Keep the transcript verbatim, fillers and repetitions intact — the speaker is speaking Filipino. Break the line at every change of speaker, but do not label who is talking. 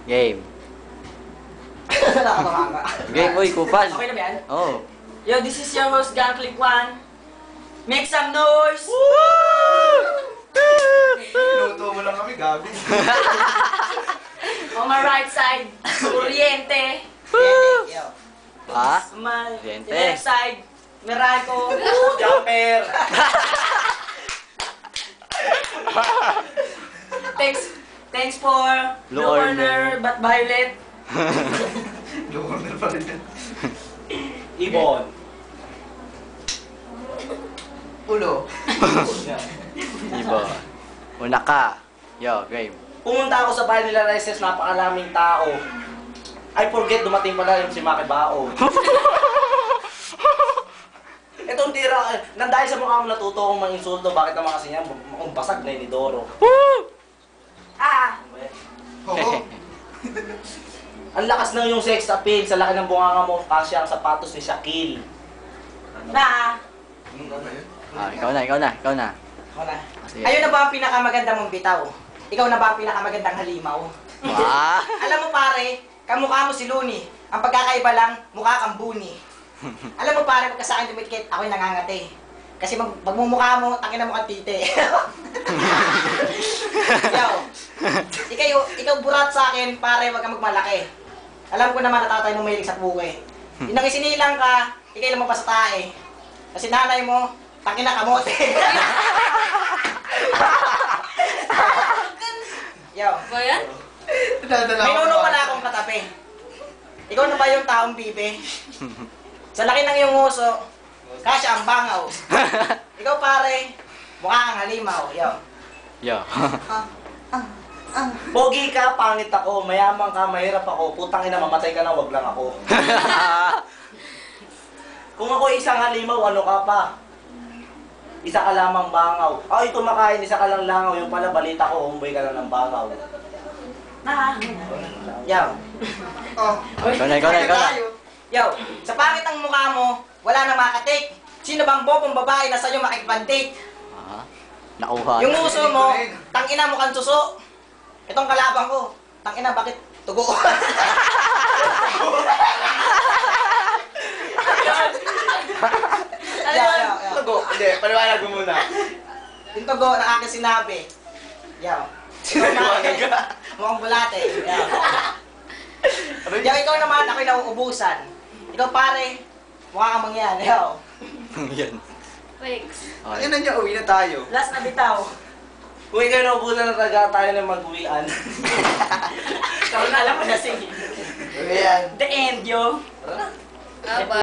Game.
Nakakatawa ka.
Game, uy, kupal.
Okay na ba yan?
Oh.
Yo, this is your host, Gang Click One. Make some noise!
Pinuto mo lang kami, gabi.
On my right side, Oriente. Yo.
Ha?
On my
Oriente.
left side, Meralco.
Jumper!
Thanks, thanks for
Blue
Blue Corner,
Corner.
but Violet.
Lucorner pa rin yan.
Ibon.
Ulo.
Iba. Una ka. Yo, game.
Pumunta ako sa bahay nila Rises, napakalaming tao. I forget, dumating pala yung si Maki Bao. Itong tira, eh, nang dahil sa mukha mo natuto akong mga insulto, bakit naman kasi yan, mukhang basag na yun ni Doro.
Ah!
Oo.
Ang lakas na yung sex appeal, sa laki ng bunganga mo, kasya ang sapatos ni Shaquille.
Na!
Ano ba yun?
Ah, ikaw na, ikaw na, ikaw na.
Ako na.
Sige.
Ayun na ba ang pinakamaganda mong bitaw? Ikaw na ba ang pinakamagandang halimaw?
Ah!
Alam mo pare, kamukha mo si Looney. Ang pagkakaiba lang, mukha kang Buni. Alam mo pare, pagka sa akin dumikit, ako'y nangangati. Kasi mag magmumukha mo, tangina mo kang tite. Ikaw, ikaw, ikaw burat sa akin, pare, wag kang magmalaki. Alam ko naman natatay mo mahilig sa puke. Inang isinilang ka, ikay lang sa tae. Kasi nanay mo, tangina kamote. Yo.
Ba yan?
Dadala
May
ako
nuno
ba?
pala akong katabi. Ikaw na ba yung taong bibe? Sa laki ng iyong uso, kasya ang bangaw. Ikaw pare, mukha kang halimaw. Yo.
Yo.
Pogi ka, pangit ako, mayaman ka, mahirap ako, putang ina, mamatay ka na, wag lang ako. Kung ako isang halimaw, ano ka pa? Isa ka lamang bangaw. Ay, kumakain, isa ka lang langaw. Yung pala, balita ko, humboy ka lang ng bangaw.
Na. Yo.
Oh.
Ikaw na, ikaw na, ikaw na.
Yo, sa pangit ng mukha mo, wala na makatik. Sino bang bobong babae na sa'yo makikipag-date?
Ah, nakuha.
Yung uso mo, tangina mo kang suso. Itong kalabang ko, tangina bakit tugo?
Ano
Yo,
yun?
yo, yo.
Tugo. Hindi, paliwanag mo muna.
Yung tugo na aking sinabi. Yo.
Sinaliwanag ka.
Mukhang bulate. Yo. Yo, ikaw naman, ako'y nauubusan. Ikaw pare, mukha kang mangyan. Yo.
Yan.
Thanks.
Okay.
Ayun na niya, uwi na tayo.
Last na bitaw.
Kung ikaw naubusan na talaga tayo na mag-uwian.
Ikaw na alam mo na sige.
Ayan.
The end, yo.
Ah, ba?